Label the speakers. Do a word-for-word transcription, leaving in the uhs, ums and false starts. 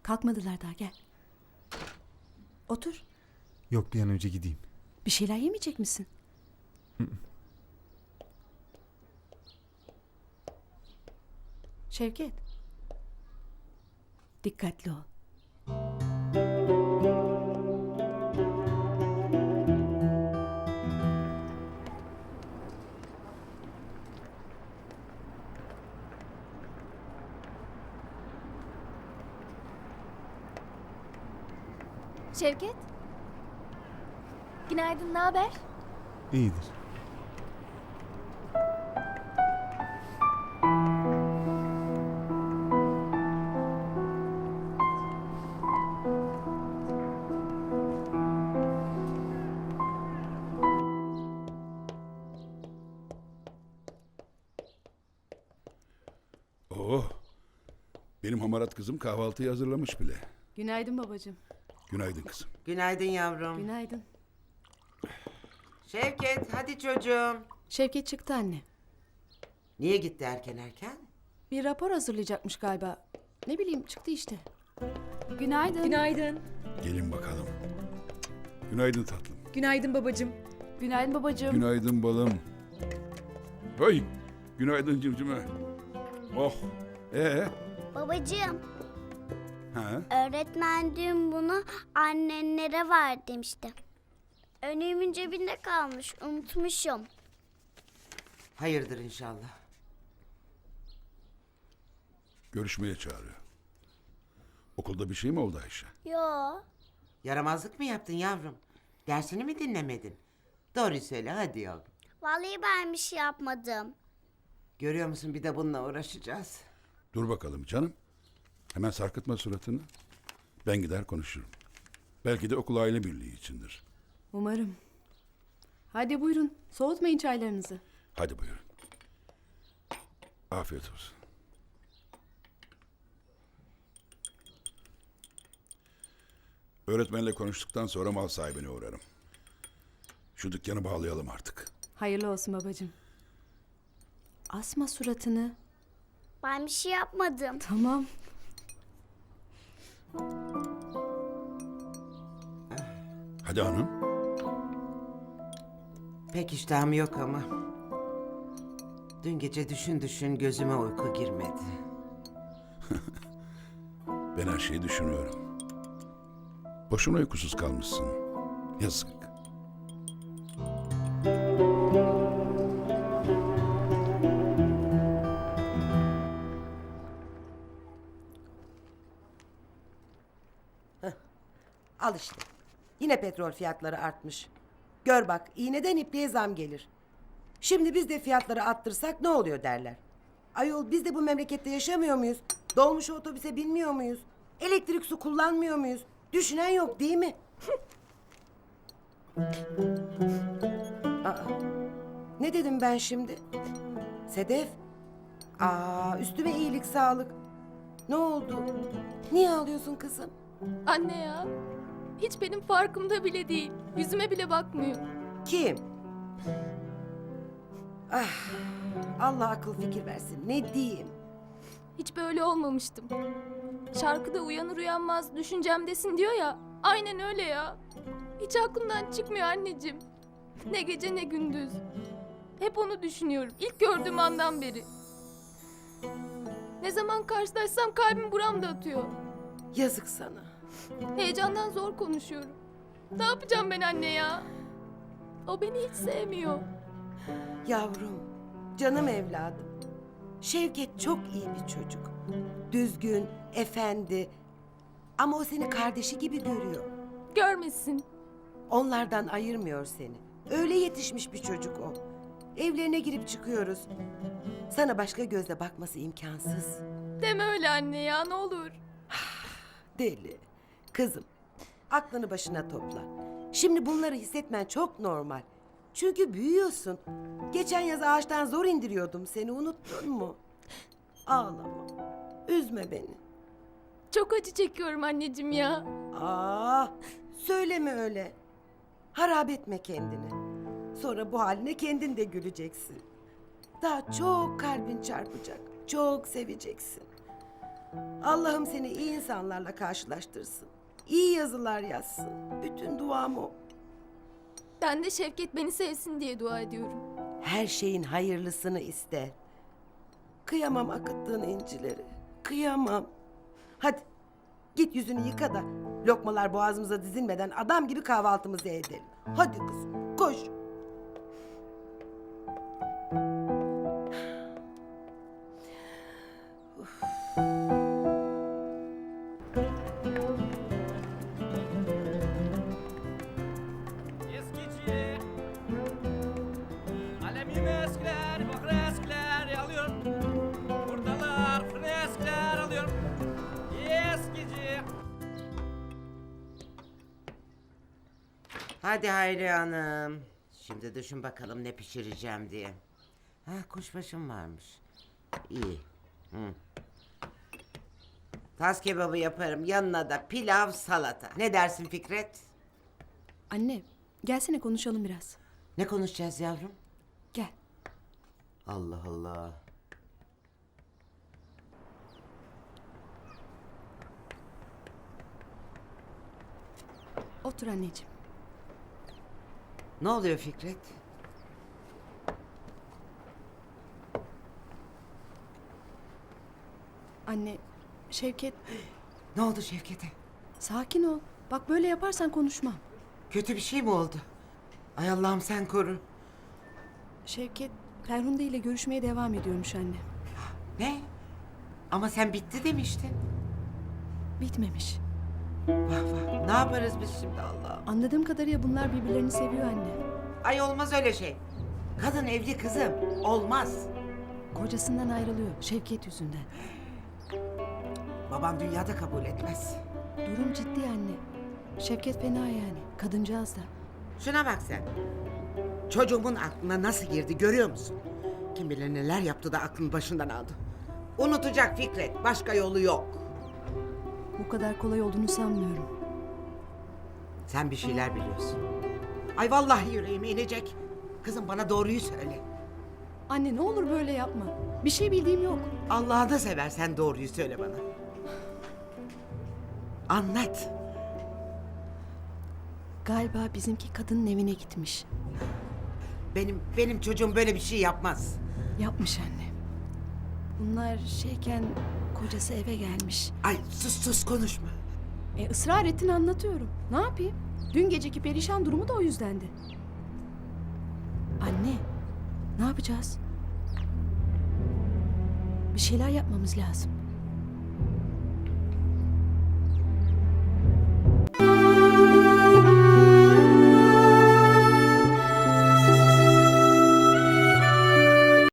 Speaker 1: Kalkmadılar daha, gel. Otur.
Speaker 2: Yok, bir an önce gideyim.
Speaker 1: Bir şeyler yemeyecek misin? Şevket. Dikkatli ol.
Speaker 3: Şevket. Günaydın, ne haber?
Speaker 2: İyidir.
Speaker 4: Oh, benim hamarat kızım kahvaltıyı hazırlamış bile.
Speaker 1: Günaydın babacığım.
Speaker 4: Günaydın kızım.
Speaker 5: Günaydın yavrum.
Speaker 1: Günaydın.
Speaker 5: Şevket hadi çocuğum.
Speaker 1: Şevket çıktı anne.
Speaker 5: Niye gitti erken erken?
Speaker 1: Bir rapor hazırlayacakmış galiba. Ne bileyim, çıktı işte.
Speaker 6: Günaydın. Günaydın.
Speaker 4: Gelin bakalım. Günaydın tatlım.
Speaker 6: Günaydın babacığım.
Speaker 1: Günaydın babacığım.
Speaker 4: Günaydın balım. Hey, günaydın cimcime. Oh, ee?
Speaker 7: Babacığım,
Speaker 4: Ha?
Speaker 7: öğretmen dün bunu annenlere ver demişti. Önlüğümün cebinde kalmış, unutmuşum.
Speaker 5: Hayırdır inşallah.
Speaker 4: Görüşmeye çağırıyor. Okulda bir şey mi oldu Ayşe?
Speaker 7: Yo,
Speaker 5: Yaramazlık mı yaptın yavrum? Dersini mi dinlemedin? Doğruyu söyle hadi yavrum.
Speaker 7: vallahi ben bir şey yapmadım.
Speaker 5: Görüyor musun bir de bununla uğraşacağız.
Speaker 4: Dur bakalım canım. Hemen sarkıtma suratını. Ben gider konuşurum. Belki de okul aile birliği içindir.
Speaker 1: Umarım. Hadi buyurun, soğutmayın çaylarınızı.
Speaker 4: Hadi buyurun. Afiyet olsun. Öğretmenle konuştuktan sonra mal sahibine uğrarım. Şu dükkanı bağlayalım artık.
Speaker 1: Hayırlı olsun babacığım. Asma suratını.
Speaker 7: Ben bir şey yapmadım.
Speaker 1: Tamam.
Speaker 4: Hadi hanım.
Speaker 5: Pek iştahım yok ama. Dün gece düşün düşün gözüme uyku girmedi.
Speaker 4: Ben her şeyi düşünüyorum. Boşuna uykusuz kalmışsın. Yazık.
Speaker 8: Al işte. Yine petrol fiyatları artmış. Gör bak, iğneden ipliğe zam gelir. Şimdi biz de fiyatları arttırsak ne oluyor derler. Ayol, biz de bu memlekette yaşamıyor muyuz? Dolmuş otobüse binmiyor muyuz? Elektrik su kullanmıyor muyuz? Düşünen yok değil mi? Aa, ne dedim ben şimdi? Sedef? Aa, üstüme iyilik sağlık. Ne oldu? Niye ağlıyorsun kızım?
Speaker 3: Anne ya. Hiç benim farkımda bile değil. Yüzüme bile bakmıyor.
Speaker 8: Kim? Ah, Allah akıl fikir versin. Ne diyeyim?
Speaker 3: Hiç böyle olmamıştım. Şarkıda uyanır uyanmaz düşüncemdesin diyor ya. Aynen öyle ya. Hiç aklımdan çıkmıyor anneciğim. Ne gece ne gündüz. Hep onu düşünüyorum. İlk gördüğüm andan beri. Ne zaman karşılaşsam kalbim buramda atıyor.
Speaker 8: Yazık sana.
Speaker 3: Heyecandan zor konuşuyorum. Ne yapacağım ben anne ya? O beni hiç sevmiyor.
Speaker 8: Yavrum, canım evladım. Şevket çok iyi bir çocuk. Düzgün, efendi. Ama o seni kardeşi gibi görüyor.
Speaker 3: Görmesin.
Speaker 8: Onlardan ayırmıyor seni. Öyle yetişmiş bir çocuk o. Evlerine girip çıkıyoruz. Sana başka gözle bakması imkansız.
Speaker 3: Deme öyle anne ya, ne olur.
Speaker 8: Deli. Kızım, aklını başına topla. Şimdi bunları hissetmen çok normal. Çünkü büyüyorsun. Geçen yaz ağaçtan zor indiriyordum seni, unuttun mu? Ağlama. Üzme beni.
Speaker 3: Çok acı çekiyorum anneciğim ya.
Speaker 8: Aa, söyleme öyle. Harap etme kendini. Sonra bu haline kendin de güleceksin. Daha çok kalbin çarpacak. Çok seveceksin. Allah'ım seni iyi insanlarla karşılaştırsın. İyi yazılar yazsın. Bütün duam o.
Speaker 3: Ben de Şevket beni sevsin diye dua ediyorum.
Speaker 8: Her şeyin hayırlısını iste. Kıyamam akıttığın incileri. Kıyamam. Hadi git yüzünü yıka da lokmalar boğazımıza dizilmeden adam gibi kahvaltımızı edelim. Hadi kızım koş.
Speaker 9: Eskici Alemi eskiler, bakır eskiler alıyorum. Buradalar, freskiler alıyorum. Eskici.
Speaker 5: Hadi Hayriye Hanım. Şimdi düşün bakalım ne pişireceğim diye. Ha, kuşbaşım varmış. İyi. Hı. Tas kebabı yaparım. Yanına da pilav, salata. Ne dersin Fikret?
Speaker 1: Anne, gelsene konuşalım biraz.
Speaker 5: Ne konuşacağız yavrum?
Speaker 1: Gel.
Speaker 5: Allah Allah.
Speaker 1: Otur anneciğim.
Speaker 5: Ne oluyor Fikret?
Speaker 1: Anne, Şevket,
Speaker 5: Ne oldu Şevket'e?
Speaker 1: sakin ol. Bak böyle yaparsan konuşmam.
Speaker 5: Kötü bir şey mi oldu? Ay Allah'ım sen koru.
Speaker 1: Şevket, Ferhunde ile görüşmeye devam ediyormuş anne.
Speaker 5: Ne? Ama sen bitti demiştin.
Speaker 1: Bitmemiş.
Speaker 5: Vah vah. Ne yaparız biz şimdi Allah'ım?
Speaker 1: Anladığım kadarıyla bunlar birbirlerini seviyor anne.
Speaker 5: Ay olmaz öyle şey. Kadın evli kızım. Olmaz.
Speaker 1: Kocasından ayrılıyor Şevket yüzünden.
Speaker 5: Babam dünyada kabul etmez.
Speaker 1: Durum ciddi anne. Şevket fena yani. Kadıncağız da.
Speaker 5: Şuna bak sen. Çocuğumun aklına nasıl girdi görüyor musun? Kim bilir neler yaptı da aklını başından aldı. Unutacak Fikret. Başka yolu yok.
Speaker 1: Bu kadar kolay olduğunu sanmıyorum.
Speaker 5: Sen bir şeyler biliyorsun. Ay vallahi yüreğime inecek. Kızım bana doğruyu söyle.
Speaker 1: Anne ne olur böyle yapma. Bir şey bildiğim yok.
Speaker 5: Allah'ını seversen doğruyu söyle bana. Anlat.
Speaker 1: Galiba bizimki kadının evine gitmiş.
Speaker 5: Benim benim çocuğum böyle bir şey yapmaz.
Speaker 1: Yapmış anne. Bunlar şeyken kocası eve gelmiş.
Speaker 5: Ay sus sus konuşma.
Speaker 1: E ısrar ettin anlatıyorum. Ne yapayım? Dün geceki perişan durumu da o yüzdendi. Anne, ne yapacağız? Bir şeyler yapmamız lazım.